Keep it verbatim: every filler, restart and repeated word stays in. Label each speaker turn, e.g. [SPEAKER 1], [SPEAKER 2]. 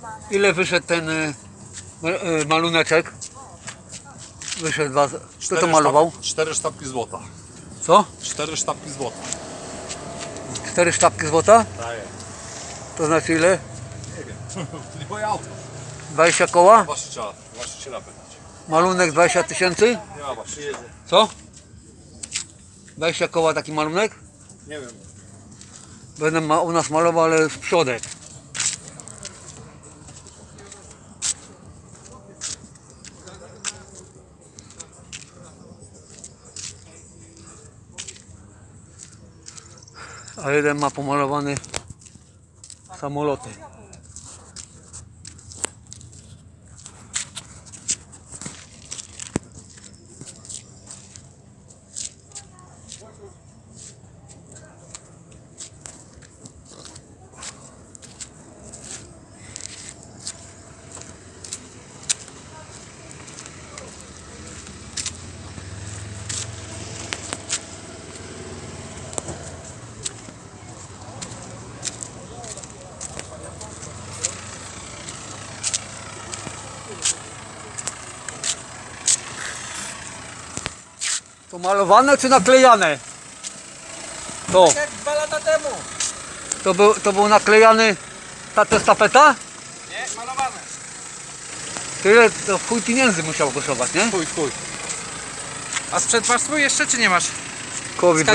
[SPEAKER 1] Ile wyszedł ten y, y, maluneczek? Wyszedł dwa. Kto to malował?
[SPEAKER 2] Cztery sztabki złota.
[SPEAKER 1] Co?
[SPEAKER 2] Cztery sztabki złota.
[SPEAKER 1] Cztery sztabki złota?
[SPEAKER 2] Tak jest.
[SPEAKER 1] To znaczy ile?
[SPEAKER 2] Nie wiem. To nie moje auto.
[SPEAKER 1] dwadzieścia koła?
[SPEAKER 2] Właściciela, właściciela pytać.
[SPEAKER 1] Malunek dwadzieścia tysięcy?
[SPEAKER 2] Nie ma właściciela.
[SPEAKER 1] Co? dwadzieścia koła taki malunek?
[SPEAKER 2] Nie wiem.
[SPEAKER 1] Będę ma, u nas malował, ale z przodek. A jeden ma pomalowany samoloty. To malowane czy naklejane? To.
[SPEAKER 3] Jak dwa lata temu.
[SPEAKER 1] To był, to był naklejany ta, to jest tapeta?
[SPEAKER 3] Nie, malowane.
[SPEAKER 1] Tyle, to chuj pieniędzy musiał kosztować, nie?
[SPEAKER 2] Chuj, chuj.
[SPEAKER 3] A sprzęt masz swój jeszcze czy nie masz?
[SPEAKER 1] Kowi